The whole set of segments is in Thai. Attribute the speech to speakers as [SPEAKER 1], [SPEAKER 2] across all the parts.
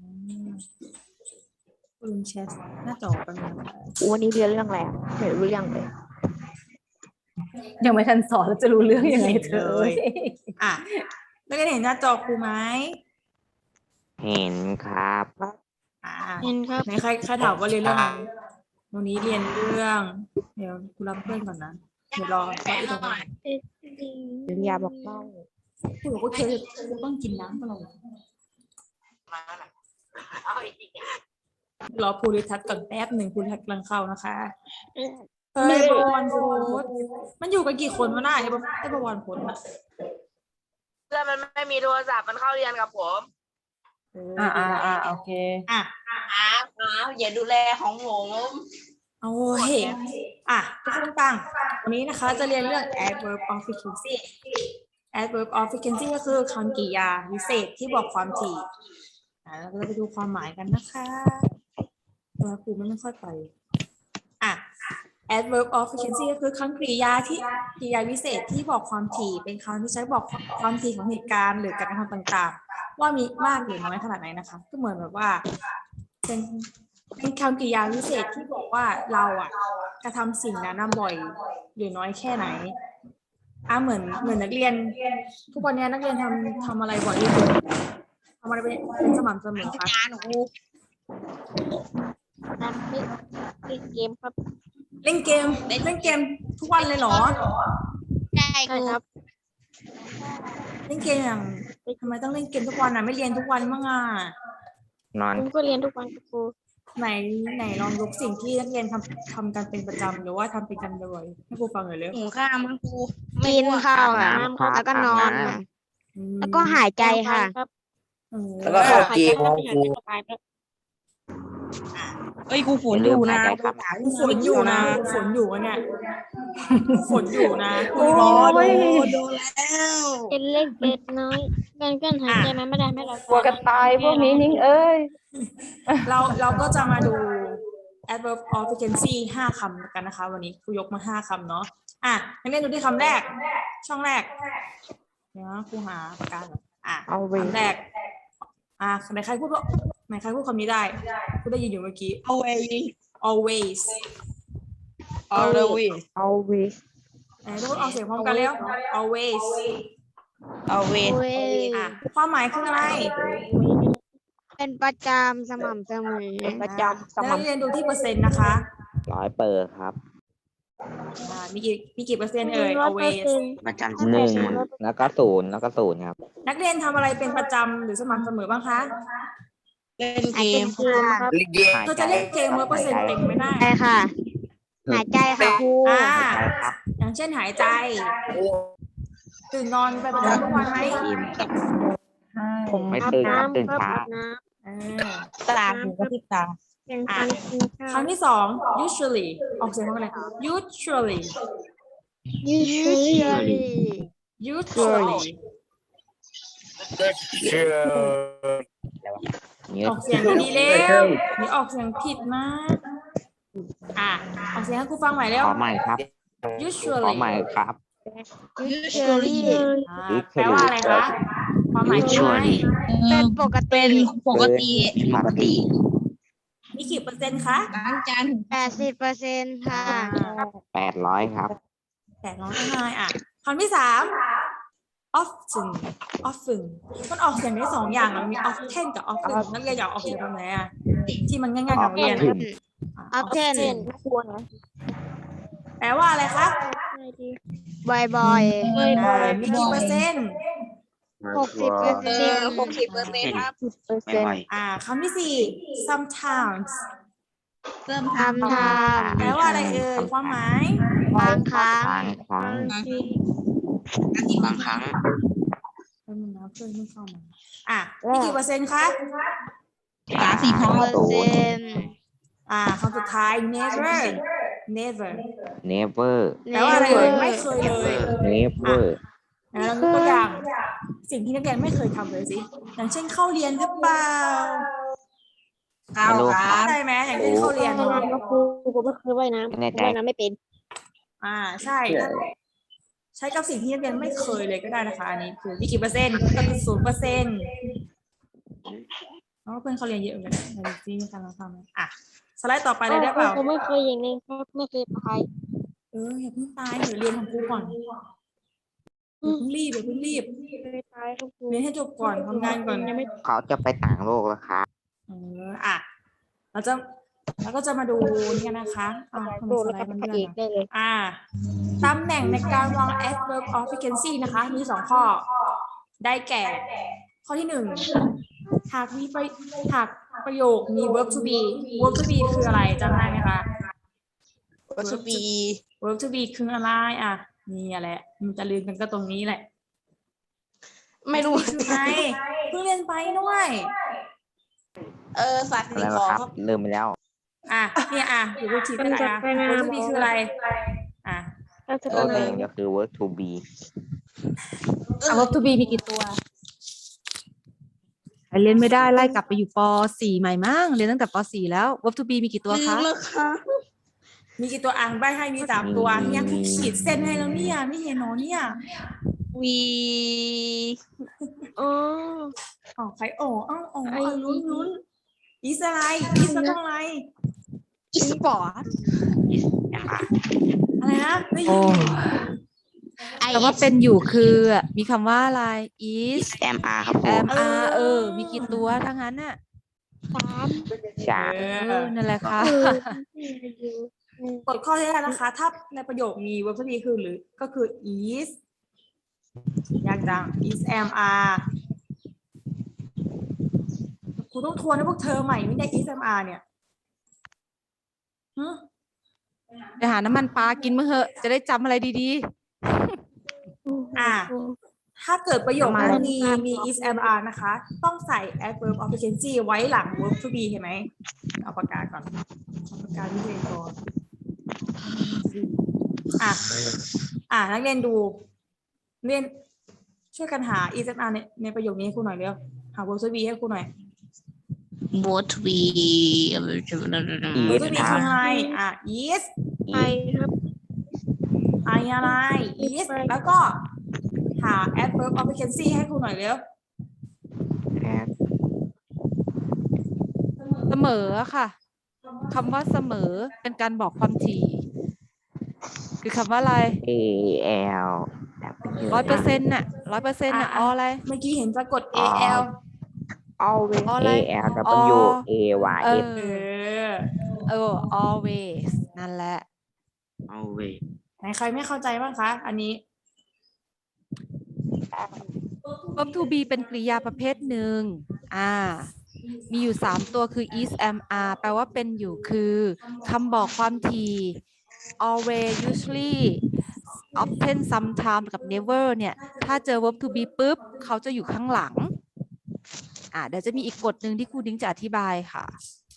[SPEAKER 1] มลืมแชร์หน้าจอไปเลยนะคะ
[SPEAKER 2] วันนี้เรียนเรื่องอะไรอะไม่รู้เรื่องเลย
[SPEAKER 3] ยังไม่ทันสอนแล้วจะรู้เรื่องยังไงเธอ
[SPEAKER 1] อ่ะแล้วก็เห็นหน้าจอครูไหม
[SPEAKER 4] เห็นครับ
[SPEAKER 1] อ่า
[SPEAKER 2] เห็นครับ
[SPEAKER 1] ไหนใครถามว่าเรียนเรื่องอะไรวันนี้เรียนเรื่อง เดี๋ยวครูรับเพื่อนก่อนนะ เดี๋ยวรออีกตรงนี้
[SPEAKER 2] ปริญญาบอกเล่า
[SPEAKER 1] ครูบอกว่าครูต้องกินน้ำตลอดรอภูริทัศน์ก่อนแป๊บหนึ่งภูริทัศน์กำลังเข้านะคะเฮ้ยประวันโพสมันอยู่กันกี่คนวะน่ะไอ้ประวันโพสอะ
[SPEAKER 5] เพื่อนมันไม่มีโทรศัพท์มันเข้าเรียนกับผม
[SPEAKER 3] โอเค
[SPEAKER 1] อ่ะ
[SPEAKER 5] อย่าดูแลของผม
[SPEAKER 1] เอาเห็นอ่ะทุกคนฟังวันนี้นะคะจะเรียนเรื่อง adverb of frequency adverb of frequency ก็คือคำกริยาวิเศษที่บอกความถี่เราจะไปดูความหมายกันนะคะตัวครูไม่ค่อยไปอ่ะ adverb of frequency ก็คือคำกริยาที่กริยาวิเศษที่บอกความถี่เป็นคำที่ใช้บอกความถี่ของเหตุการณ์หรือการกระทำต่างๆว่ามีมากหรือน้อยขนาดไหนนะคะก็เหมือนแบบว่าเป็นคำกริยาวิเศษที่บอกว่าเราอ่ะกระทำสิ่งนั้นบ่อยหรือน้อยแค่ไหนเหมือนนักเรียนทุกวันนี้นักเรียนทำอะไรบ่อยที่สุดทำอะไรเป็นสม่ำเสมอคะ
[SPEAKER 2] นั่นเป็นเกมครับ
[SPEAKER 1] เล่นเกมทุกวันเลยเหรอ
[SPEAKER 2] ใช่ครับ
[SPEAKER 1] เล่นเกมอย่างทำไมต้องเล่นเกมทุกวันไม่เรียนทุกวันบ้าง
[SPEAKER 4] นอน
[SPEAKER 2] ผมก็เรียนทุกวันกับครู
[SPEAKER 1] ไหนลองยกสิ่งที่นักเรียนทำกันเป็นประจำหรือว่าทำเป็นกันบ่อยให้ครูฟังหน่อยเร็ว
[SPEAKER 5] หุงข้าวมั้งครู
[SPEAKER 2] กินข้าวค่ะ
[SPEAKER 4] อาบน้ำครับ
[SPEAKER 2] แล้วก็นอน
[SPEAKER 4] อาบน้ำ
[SPEAKER 2] ค่ะแล้วก็หายใจค่ะ
[SPEAKER 1] แล้ว
[SPEAKER 6] ก็เข้าเกมของครู
[SPEAKER 5] เอ้ยครูฝนอยู่นะ
[SPEAKER 4] หายใจครับ
[SPEAKER 1] ฝนอยู่นะฝนอยู่เนี่ยฝนอยู่นะ
[SPEAKER 3] โอ้ย
[SPEAKER 5] โดนแล้ว
[SPEAKER 2] เป็นเล็กเล็กน้อยการหายใจมันไม่ได้ไม่เรา
[SPEAKER 3] กลัวกันตายพวกนี้นิ่งเอ้ย
[SPEAKER 1] เราก็จะมาดู adverb of frequency 5 คำกันนะคะ วันนี้ครูยกมา5 คำเนาะนักเรียนดูที่คำแรก ช่องแรกเดี๋ยวครูหาปากกาก่อนคำแรกไหนใครพูดคำนี้ได้พูดได้ยินอยู่เมื่อกี้ always
[SPEAKER 3] always
[SPEAKER 1] ไหนทุกคนออกเสียงพร้อมกันแล้ว always ความหมายคืออะไร
[SPEAKER 2] เป็นประจำสม่ำเสมอ
[SPEAKER 4] เป็นประจำส
[SPEAKER 1] แล้ว
[SPEAKER 4] ม่ำ
[SPEAKER 1] เรียนดูที่เปอร์เซ็นต์นะคะ
[SPEAKER 4] 100%ครับ
[SPEAKER 1] มีกี่เปอร์เซ็นต์เอ่ย always
[SPEAKER 6] ประจำ
[SPEAKER 4] 1แล้วก็0แล้วก็0ครับ
[SPEAKER 1] นักเรียนทำอะไรเป็นประจำหรือสม่ำเสมอบ้างคะ
[SPEAKER 5] เล่น
[SPEAKER 2] หาย
[SPEAKER 5] เก
[SPEAKER 2] ใจ
[SPEAKER 5] ม
[SPEAKER 2] ครับ
[SPEAKER 6] ลิเก
[SPEAKER 1] เธอจะเล่นเกม100%เต็มไม่ได้
[SPEAKER 2] ใช่ค่ะ หายใจค่ะครู
[SPEAKER 1] อย่างเช่นหายใจ ตื่นนอนไปประจำทุกวันไหม
[SPEAKER 4] ผมไม่ตื่นครับตื่น
[SPEAKER 2] ครับ
[SPEAKER 4] เช้า
[SPEAKER 5] ตาหูกระพริบตา
[SPEAKER 2] เป็นการกินข้าว
[SPEAKER 1] คำที่ 2 usually ออกเสียงพร้อมกันเลย usually
[SPEAKER 2] usually
[SPEAKER 1] ออกเสียงดีๆเร็วนี่ออกเสียงผิดมากออกเสียงให้ครูฟังใหม่เร็ว
[SPEAKER 4] ขอใหม่ครับ ขอ
[SPEAKER 1] usually
[SPEAKER 4] ใหม่ครับ
[SPEAKER 2] usually
[SPEAKER 1] แปลว่าอะไรคะความหมายคืออะไร
[SPEAKER 2] เป็นปกติ
[SPEAKER 5] เป็นปกติ
[SPEAKER 6] ปกติ
[SPEAKER 1] มีกี่เปอร์เซ็นต์คะ
[SPEAKER 5] ล้างจานถึง
[SPEAKER 2] 80%ค่ะ
[SPEAKER 4] 800ครับ
[SPEAKER 1] 800ง่ายคำที่ 3 oftenมันออกเสียงได้2 อย่างมันมี often กับ often นักเรียนอยากออกเสียงแบบไหนที่มันง่ายๆกับนักเรียน
[SPEAKER 2] often
[SPEAKER 1] แปลว่าอะไรคะ
[SPEAKER 2] บ่อย
[SPEAKER 1] มีกี่เปอร์เซ็นต์
[SPEAKER 2] 60%
[SPEAKER 5] 60%ครับ
[SPEAKER 6] ไม่ไหว
[SPEAKER 1] คำที่ 4 sometimes
[SPEAKER 5] เริ่ม
[SPEAKER 2] ทำ
[SPEAKER 1] แปลว่าอะไรเอ่ยความหมาย
[SPEAKER 2] บางครั้ง
[SPEAKER 4] บางครั้ง
[SPEAKER 6] บางครั้ง
[SPEAKER 1] เพิ่มนะเพื่อนไม่เข้ามามีกี่เปอร์เซ็นต์คะ
[SPEAKER 5] 30ครับ
[SPEAKER 2] เปอร์เซ็นต์
[SPEAKER 1] คำสุดท้าย never
[SPEAKER 4] never
[SPEAKER 1] แปลว่าอะไรเอ่ยไม่เคยเลย
[SPEAKER 4] never
[SPEAKER 1] เรายกตัวอย่างสิ่งที่นักเรียนไม่เคยทำเลยสิอย่างเช่นเข้าเรียนหรือเปล่า
[SPEAKER 5] เอาครับ
[SPEAKER 1] ใช่ไหมอย่างเช่นเข้าเรียน
[SPEAKER 2] ครูไม่เคยว่ายน้ำ
[SPEAKER 4] แน่ใจ
[SPEAKER 2] ว่ายน้ำไม่เป็น
[SPEAKER 1] ใช่ใช้กับสิ่งที่นักเรียนไม่เคยเลยก็ได้นะคะอันนี้คือมีกี่เปอร์เซ็นต์ก็คือ0%เเพราะว่าเพื่อนเขาเรียนเยอะเหมือนกันในดิซี่มีการลองทำไหมอ่ะสไลด์ต่อไปเลยได้เปล่า
[SPEAKER 2] ผมไม่เคยอย่างนี้ครับไม่เคยไป
[SPEAKER 1] อย่าเพิ่งตายเดี๋ยวเรียนของครูก่อนอย่าเพิ่งรีบอย่าเพิ่งรีบ
[SPEAKER 2] เคยไปครับครู
[SPEAKER 1] เรียนให้จบก่อนทำงานก่อน
[SPEAKER 2] ยังไม่
[SPEAKER 4] เขาจะไปต่างโลกแล้วครับ
[SPEAKER 1] อ่ะเราก็จะมาดูนี่กันนะคะทำไม
[SPEAKER 2] ดู
[SPEAKER 1] ส
[SPEAKER 2] แล้ว
[SPEAKER 1] ไล
[SPEAKER 2] ก็
[SPEAKER 1] ด์มัน
[SPEAKER 2] พระ
[SPEAKER 1] เลื่
[SPEAKER 2] เอ
[SPEAKER 1] อน
[SPEAKER 2] กได้เลย
[SPEAKER 1] ตำแหน่งในการวาง adverb of frequency นะคะ มีสองข้อ ได้แก่ ข้อที่หนึ่งหากประโยคมี verb to be verb to be คืออะไรจำได้ไหมคะ
[SPEAKER 5] วัตถุบี
[SPEAKER 1] verb to be คืออะไรนี่แหละมันจะลืมกันก็ตรงนี้แหละ
[SPEAKER 5] ไม่รู้
[SPEAKER 1] คือไงเพิ่งเรียนไปด้วย
[SPEAKER 5] สัตว์
[SPEAKER 4] อะไร
[SPEAKER 5] สิ่ง
[SPEAKER 4] นะ
[SPEAKER 5] ของ
[SPEAKER 4] ครับ
[SPEAKER 5] ครับ
[SPEAKER 4] ลืมไปแล้ว
[SPEAKER 1] เนี่ยอยู่รูทีไปไหนverb to be คืออะไร
[SPEAKER 2] แล้วจะ
[SPEAKER 4] ตัว
[SPEAKER 2] เป็น
[SPEAKER 4] เองก็คือ work to be
[SPEAKER 3] verb to be มีกี่ตัวใครเรียนไม่ได้ไล่กลับไปอยู่ป .4 ใหม่มั้งเรียนตั้งแต่ป .4 แล้ว verb to be มีกี่ตัว
[SPEAKER 5] ลื
[SPEAKER 3] คะ
[SPEAKER 5] มแล้วครับ
[SPEAKER 1] มีกี่ตัวใบให้มี3 ตัวเนี่ยครูขีดเส้นให้แล้วเนี่ยไม่เห็นหนอเนี่ย
[SPEAKER 5] วี
[SPEAKER 2] อ๋อ
[SPEAKER 1] ใครลุ้นอีสอะไรอีสแล้วก็อะไร
[SPEAKER 5] อีสปอร์ต
[SPEAKER 1] อะไรนะไม่
[SPEAKER 3] โอ้
[SPEAKER 1] ยิน
[SPEAKER 3] แต่ว่าเป็นอยู่คือมีคำว่าอะไร is
[SPEAKER 6] MR ครับครู
[SPEAKER 3] am are มีกี่ตัวทั้งนั้นน่ะ
[SPEAKER 2] 3
[SPEAKER 4] ฉา
[SPEAKER 3] นั่นแหละค่ะ
[SPEAKER 1] กดข้อที่ได้นะคะ ถ้าในประโยคมี verb to be คือหรือก็คือ is ยากจัง is am are ครูต้องทวนให้พวกเธอใหม่ไม่ได้ is am are เนี่ย
[SPEAKER 3] ไปหาน้ำมันปลากินมั้งเหอะจะได้จำอะไรดี
[SPEAKER 1] ถ้าเกิดประโยคนั้นมี is am are นะคะ ต้องใส่ adverb of frequency ไว้หลัง verb to be เห็นไหมเอาปากกาก่อนเอาปากกาที่เรียนก่อนนักเรียนดูเรียนช่วยกันหา is am are ในประโยคนี้ให้ครูหน่อยเร็วหา verb to be ให้ครูหน่อย
[SPEAKER 5] บอทวี
[SPEAKER 1] verb to be คืออะไรis
[SPEAKER 2] ไปครับ
[SPEAKER 1] อะไร is แล้วก็หา adverb of frequency ให้ครูหน่อยเร็ว
[SPEAKER 3] ๆ เสมอค่ะคำว่าเสมอเป็นการบอกความถี่ คือคำว่าอะไร
[SPEAKER 4] AL
[SPEAKER 3] 100%น่ะ100%น่ะอะไร
[SPEAKER 1] เมื่อกี้เห็นสะกด al
[SPEAKER 4] always
[SPEAKER 3] อะไร
[SPEAKER 4] AL W AY
[SPEAKER 3] เอ
[SPEAKER 4] S
[SPEAKER 3] always นั่นแหละ
[SPEAKER 6] เอาเว้ย
[SPEAKER 1] ไหนใครไม่เข้าใจบ้างคะอันนี้
[SPEAKER 3] verb to be เป็นกริยาประเภทหนึ่งมีอยู่3ตัวคือ is am are แปลว่าเป็นอยู่คือคำบอกความถี่ always usually often sometimes กับ never เนี่ยถ้าเจอ verb to be ปุ๊บเขาจะอยู่ข้างหลังเดี๋ยวจะมีอีกกฎหนึ่งที่ครูดิ้งจะอธิบายค่ะ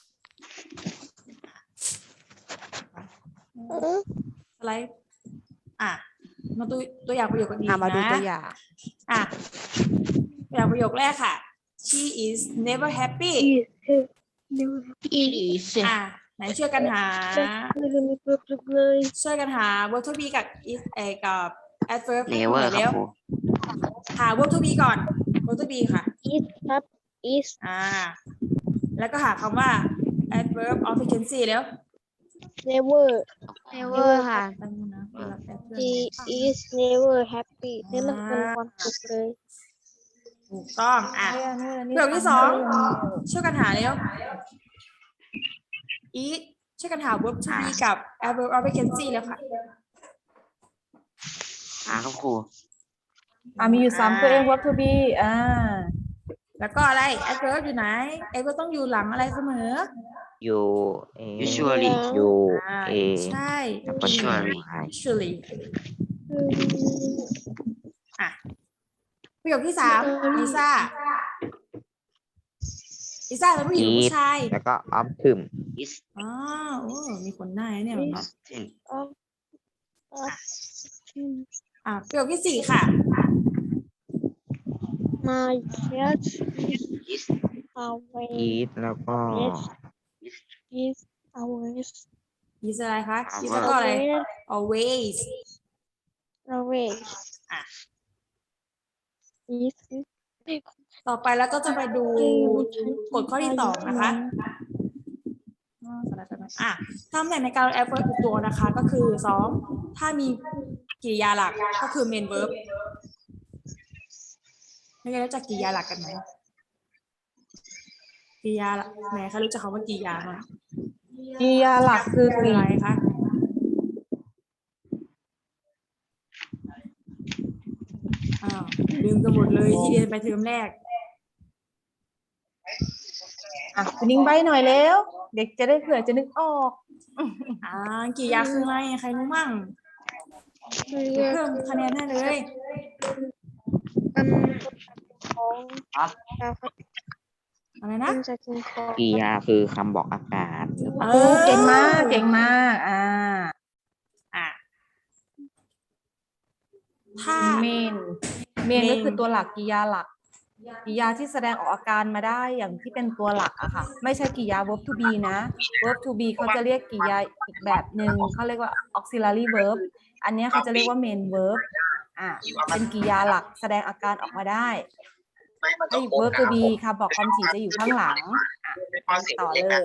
[SPEAKER 1] อะไรมาดูตัวอย่างประโยคกันดีนะ
[SPEAKER 3] มาดูตัวอย่าง
[SPEAKER 1] ตัวอย่างประโยคแรกค่ะ she is never happy
[SPEAKER 5] อีส
[SPEAKER 1] ไหนช่วยกันหา
[SPEAKER 2] ไม่มีเพิ่มเลย
[SPEAKER 1] ช่วยกันหา verb to be กับ is กับ adverb
[SPEAKER 6] เนเวอร์ค
[SPEAKER 1] เร็
[SPEAKER 6] รับ
[SPEAKER 1] ว
[SPEAKER 6] ครู
[SPEAKER 1] หา verb to be ก่อน verb to be ค่ะ
[SPEAKER 2] is ครับ is
[SPEAKER 1] แล้วก็หาคำว่า adverb of frequency แล้ว
[SPEAKER 2] never never ค่ะ
[SPEAKER 1] แป๊บนึงนะเวลาแป๊บเดียว
[SPEAKER 2] she is never happy นี่มันเป็นความสุขเลย
[SPEAKER 1] ถูกต้องประโยคที่2ช่วยกันหาเร็ว is ช่วยกันหา verb to be กับ adverb of frequency แล้วค่ะ
[SPEAKER 6] ครับครู
[SPEAKER 3] มีอยู่3ตัวเอง verb to be
[SPEAKER 1] แล้วก็อะไร adverb อยู่ไหน adverb ต้องอยู่หลังอะไรเสมอ
[SPEAKER 4] U A
[SPEAKER 6] Usually
[SPEAKER 4] U A
[SPEAKER 1] ใช่
[SPEAKER 6] Usually
[SPEAKER 1] usually ประโยคที่3ลิซ่าเป็นผู้หญิงหรือผู้ชาย
[SPEAKER 4] แล้วก็ often
[SPEAKER 6] is
[SPEAKER 1] มีคนหน้าเนี่ย
[SPEAKER 6] often
[SPEAKER 1] ประโยคที่4ค่ะ
[SPEAKER 2] my cat
[SPEAKER 6] is
[SPEAKER 2] always
[SPEAKER 4] eat แล้วก็
[SPEAKER 2] is always
[SPEAKER 1] is อะไรคะ is แล้วก็อะไร always
[SPEAKER 2] always is
[SPEAKER 1] ต่อไปแล้วก็จะไปดูกฎข้อที่สองนะคะตำแหน่งในการ adverb อีกตัวนะคะ ก็คือสองถ้ามีกริยาหลักก็คือ main verb ไม่รู้จักกริยาหลักกันไหมกริยาไหนคะรู้จักคำว่ากริยาไหม
[SPEAKER 3] กริยาหลักคือก
[SPEAKER 1] คือ
[SPEAKER 3] ริ
[SPEAKER 1] อะไรคะอ้าวลืมกันหมดเลยที่เรียนไปเทอมแรก
[SPEAKER 3] คุณนิ้งใบหน่อยแล้ว เด็กจะได้เผื่อจะนึกออก
[SPEAKER 1] กริยาคืออะไรใครรู้มั่งเพิ่มคะแนนให้เลย อะไรนะ
[SPEAKER 4] กริยาคือคำบอกอากาศหรือเปล่า
[SPEAKER 3] เก่งมากเก่งมาก
[SPEAKER 1] ถ้า
[SPEAKER 3] เมนก็คือตัวหลักกริยาหลักกริยาที่แสดงออกอาการมาได้อย่างที่เป็นตัวหลักอะค่ะไม่ใช่กริยา verb to be นะ verb to be เขาจะเรียกกริยาอีกแบบหนึ่งเขาเรียกว่า auxiliary verb อันนี้เขาจะเรียกว่า main verb เป็นกริยาหลักแสดงอาการออกมาได้ไอ้ verb to be ค่ะบอกความถี่จะอยู่ข้างหลังต่อเลย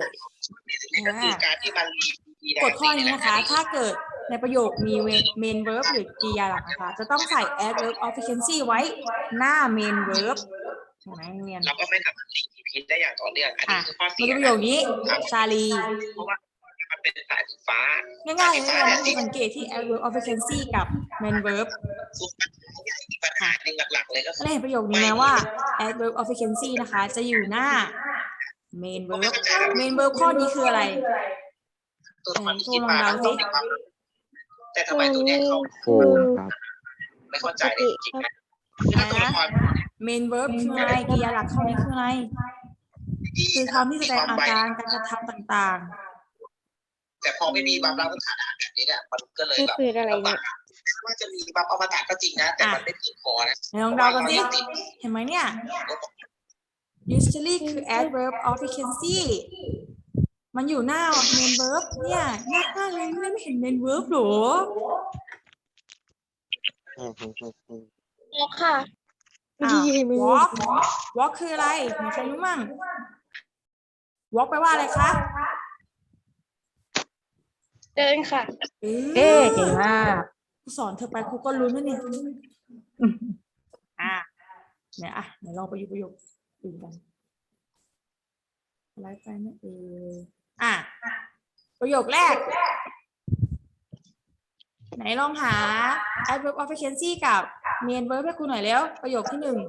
[SPEAKER 1] กฎข้อนี้นะคะ ถ้าเกิดในประโยคมี main verb หรือกริยาหลักนะคะ จะต้องใส่ adverb of frequency ไว้หน้า main verb เห็นไหมเรียน
[SPEAKER 7] เราก็ไม่สามารถหลีกผิดได้อย่างต่อเนื่องอันนี้คือข้อ
[SPEAKER 1] มา
[SPEAKER 7] เสีย
[SPEAKER 1] ดูประโยคนี้ ชาลี
[SPEAKER 7] เพราะว่ามันเป็นสายสีฟ้า
[SPEAKER 1] ง่ายๆเลยนะนักเรียนสังเกตที่ adverb of frequency กับ main verb
[SPEAKER 7] อีกปัญหาหนึ่งหลักๆเลยก็คือ
[SPEAKER 1] ได้เห็นประโยคนี้ไหมว่า adverb of frequency นะคะ จะอยู่หน้า main verb main verb ข้อนี้คืออะไร
[SPEAKER 7] ตัวมัน
[SPEAKER 1] ครูลองเดาสิ
[SPEAKER 7] แต่ทำไมตัวเนี้ยเขา
[SPEAKER 4] คูณครับ
[SPEAKER 7] ไม่เข้าใจเลยจริงๆนะคือถ้าตัวละคร
[SPEAKER 1] main verb คืออะไรกริยาหลักข้อนี้คืออะไร คือคำที่แสดงอาการการกระทำต่าง
[SPEAKER 7] แต่พอไม่มีบัฟรับสถานะแบบนี้เนี่ยมันก็เลยแบบ
[SPEAKER 2] คืออะไรเนี่ย
[SPEAKER 7] ว่าจะมีบัฟอมตะก็จริงนะแต่มันไม่เพียงพอนะ
[SPEAKER 1] ๆลองเดากันสิเห็นไหมเนี่ย usually คือ adverb of frequency มันอยู่หน้า main verb เนี่ยยากมากเลยไม่เห็น main verb หรอ
[SPEAKER 2] ค่ะ
[SPEAKER 1] walk walk คืออะไรมีใครรู้มั่ง walk แปลว่าอะไรคะ
[SPEAKER 2] เดินค่ะ
[SPEAKER 3] เก่งมาก
[SPEAKER 1] ครูสอนเธอไปครูก็รู้นะเนี่ยเนี่ยเดี๋ยวลองไปอยู่ประโยคอื่นกันไลฟ์ไปนะประโยคแรก ไหนลองหา adverb of frequency กับ main verb ให้ครูหน่อยแล้ว ประโยคที่หนึ่ง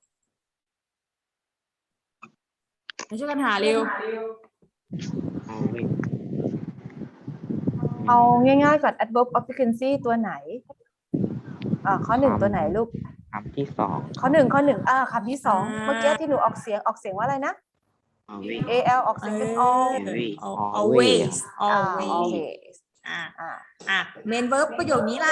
[SPEAKER 1] มาช่วยกันหาเร็ว
[SPEAKER 3] เอาง่ายๆก่อน adverb of frequency ตัวไหนข้อหนึ่งตัวไหนลูก
[SPEAKER 4] คำที่สอง
[SPEAKER 3] ข้อหนึ่งคำที่สองเมื่อกี้ที่หนูออกเสียงว่าอะไรนะ al ออกเสียงเป็น all
[SPEAKER 1] always
[SPEAKER 3] โอ
[SPEAKER 1] always
[SPEAKER 3] เค
[SPEAKER 1] main verb ประโยคนี้ล่ะ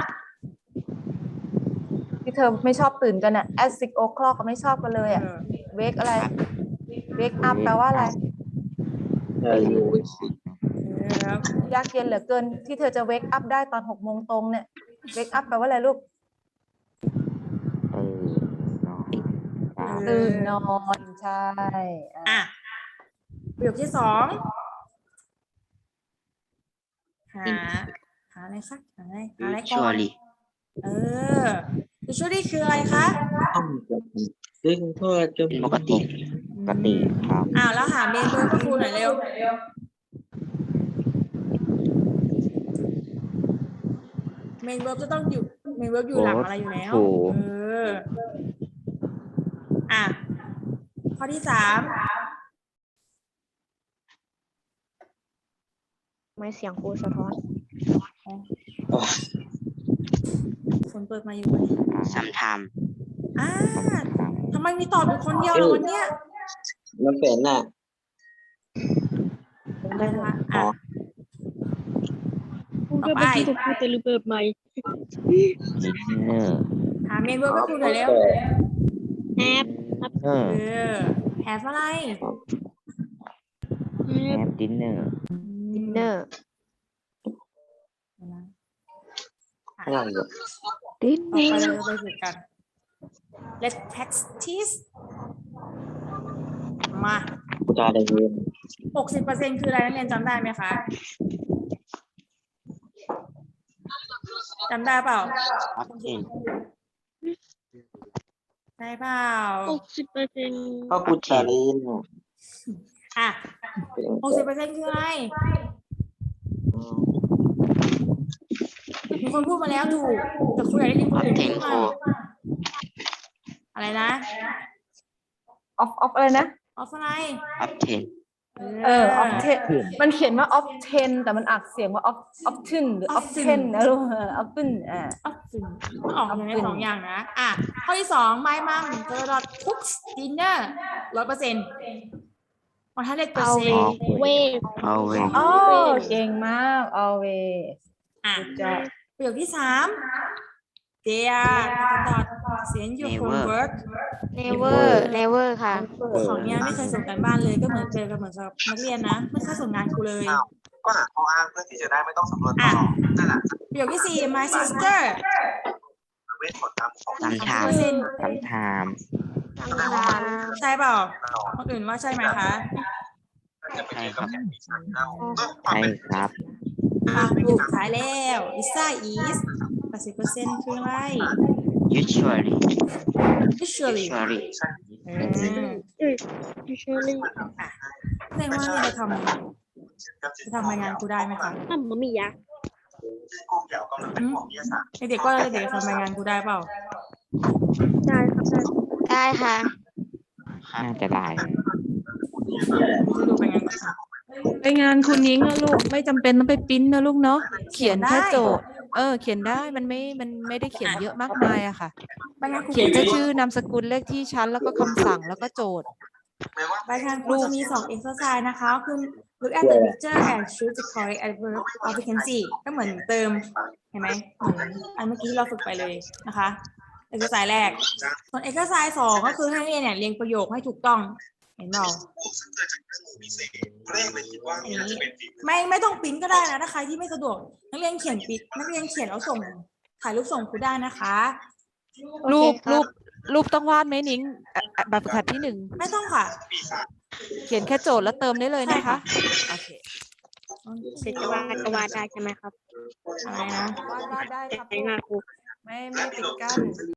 [SPEAKER 3] ที่เธอไม่ชอบตื่นกันอะ at 6 o'clock ก็ไม่ชอบกันเลยอะ wake อะไร wake up แปลว่าอะไรยากเย็นเหลือเกินที่เธอจะ wake up ได้ตอน6 โมงตรงเนี่ย wake up แปลว่าอะไรลูกตื่นนอนใช่
[SPEAKER 1] ประโยคที่สองหาอะไรคะหาอะไรก่อนusually คืออะไรคะ
[SPEAKER 6] ซึ่งพ่อจะปกติ
[SPEAKER 4] ครับ
[SPEAKER 1] แล้วหา main verb ให้ครูหน่อยเร็ว main verb จะต้องอยู่ main verb อยู่หลังอะไรอยู่แล้วข้อที่สาม
[SPEAKER 2] ไม่เสียงครูสะท้อน
[SPEAKER 1] ฝนเปิดมาอยู่ไหม
[SPEAKER 6] sometimes
[SPEAKER 1] ทำไมมีตอบอยู่คนเดียวล่ะวันเนี้ย
[SPEAKER 6] มันเป็นน่ะ
[SPEAKER 1] ได้นะคะต่อไปหาเมนเวอร์ให้ครูหน่อยเร็วhave อะไร
[SPEAKER 4] have dinner
[SPEAKER 2] เนอร์
[SPEAKER 6] อะไรอยู่
[SPEAKER 1] ต่อไปเราจะไปฝึกกัน let's practice มา
[SPEAKER 6] จาเรียน
[SPEAKER 1] 60%คืออะไรนักเรียนจำได้ไหมคะจำได้เปล่า
[SPEAKER 4] ออกเทน
[SPEAKER 1] ได้เปล่า
[SPEAKER 6] ก็กูจาเรียน
[SPEAKER 1] อ่ะ 60%คืออะไรมีคนพูดมาแล้วถูกแต่คุณอยากได้ยินคนอื่นพูดมาอะไรนะ
[SPEAKER 8] ออฟอะไรนะ
[SPEAKER 1] ออฟอะไร
[SPEAKER 4] ออกเทน
[SPEAKER 8] ออฟเทนมันเขียนว่าออฟเทนแต่มันอักเสียงว่าออฟทึนหรือออฟเทนนะลูกออฟทึน
[SPEAKER 1] ออฟฟินออกอย่างในสองอย่างนะ อ่ะ ข้อที่สองไม่มั่งเจอรอดคุกดินเนอร์100%พอถ้าเรียกเปอร์เซ็นต์
[SPEAKER 2] เว
[SPEAKER 4] เอาเว
[SPEAKER 8] โอ้เก่งมาก always
[SPEAKER 1] อ่ะ
[SPEAKER 8] จะ
[SPEAKER 1] ประโยคที่สาม they are send your homework
[SPEAKER 2] never ค่ะ
[SPEAKER 1] ของเนี้ยไม่เคยส่งกันบ้านเลยก็เหมือนเจอกันเหมือนกับนักเรียนนะไม่เคยส่งงานครูเลย
[SPEAKER 7] ก็หาข้ออ้างเพื่อที่จะได้ไม่ต้องสำรวจต่อนั่นแหละ
[SPEAKER 1] ประโยคที่สี่ my sister
[SPEAKER 7] เวทผลตามของ
[SPEAKER 4] ตามทาง
[SPEAKER 1] 30%
[SPEAKER 4] ตามทาง
[SPEAKER 1] ใช่เปล่าคนอื่นว่าใช่ไหมคะ
[SPEAKER 4] ใช่ครับ
[SPEAKER 7] ใช่
[SPEAKER 4] ใช่ครับ
[SPEAKER 1] อ่ะถูกท้ายแล้ว Lisa is 80%คืออะไร
[SPEAKER 4] usually
[SPEAKER 1] usually อืม แสดงว่าเนี่ยจะทำรายงานครูได้ไหมคะ
[SPEAKER 2] มันมียะ
[SPEAKER 7] กลุ่มเดี่ยวกำลังเป็นของวิทยาศาสตร์
[SPEAKER 1] เด็กๆก็เด็กๆทำรายงานครูได้เปล่า
[SPEAKER 2] ได้ค่ะ
[SPEAKER 4] น่าจะได้
[SPEAKER 1] จะดูรายงานก่อนค่ะ
[SPEAKER 3] ไปงานคุณนิ้งนะลูกไม่จำเป็นต้องไปปริ้นนะลูกเนาะเขียนแค่โจทย์เขียนได้มันไม่ได้เขียนเยอะมากมายอะค่ะ
[SPEAKER 1] รายงานครู
[SPEAKER 3] เขียนแค่ชื่อนามสกุลเลขที่ชั้นแล้วก็คำสั่งแล้วก็โจทย์
[SPEAKER 1] รายงานครูจะมี2 exercise นะคะคือ look at the picture and choose the correct adverb of vacancy ก็เหมือนเติมเห็นไหมเหมือนอันเมื่อกี้ที่เราฝึกไปเลยนะคะ exercise แรก ส่วน exercise 2ก็คือให้นักเรียนเนี่ยเรียงประโยคให้ถูกต้องเห็นเปล่า
[SPEAKER 7] ซึ่งเกิดจากเครื่องมือพิเศษเร่งเลยคิดว่า
[SPEAKER 1] อัน
[SPEAKER 7] น่า
[SPEAKER 1] นี้
[SPEAKER 7] จะเป็นฝีมือ
[SPEAKER 1] ไม่ต้องปริ้นก็ได้นะถ้าใครที่ไม่สะดวกนักเรียนเขียนปิดนักเรียนเขียนแล้วส่งถ่ายรูปส่งครูได้นะคะ
[SPEAKER 3] รูปต้องวาดไหมนิ้งแบบฝึกหัดที่
[SPEAKER 1] ไม่ต้องค่ะ
[SPEAKER 3] 1เขียนแค่โจทย์แล้วเติมได้เลยนะคะโอเค
[SPEAKER 2] เป็นจะวาดก็วาดได้ใช่ไหมครับ
[SPEAKER 1] อะไรนะ
[SPEAKER 3] วาดได้ครับ
[SPEAKER 2] ใช้งานครู
[SPEAKER 3] ไม่ปิดกั้น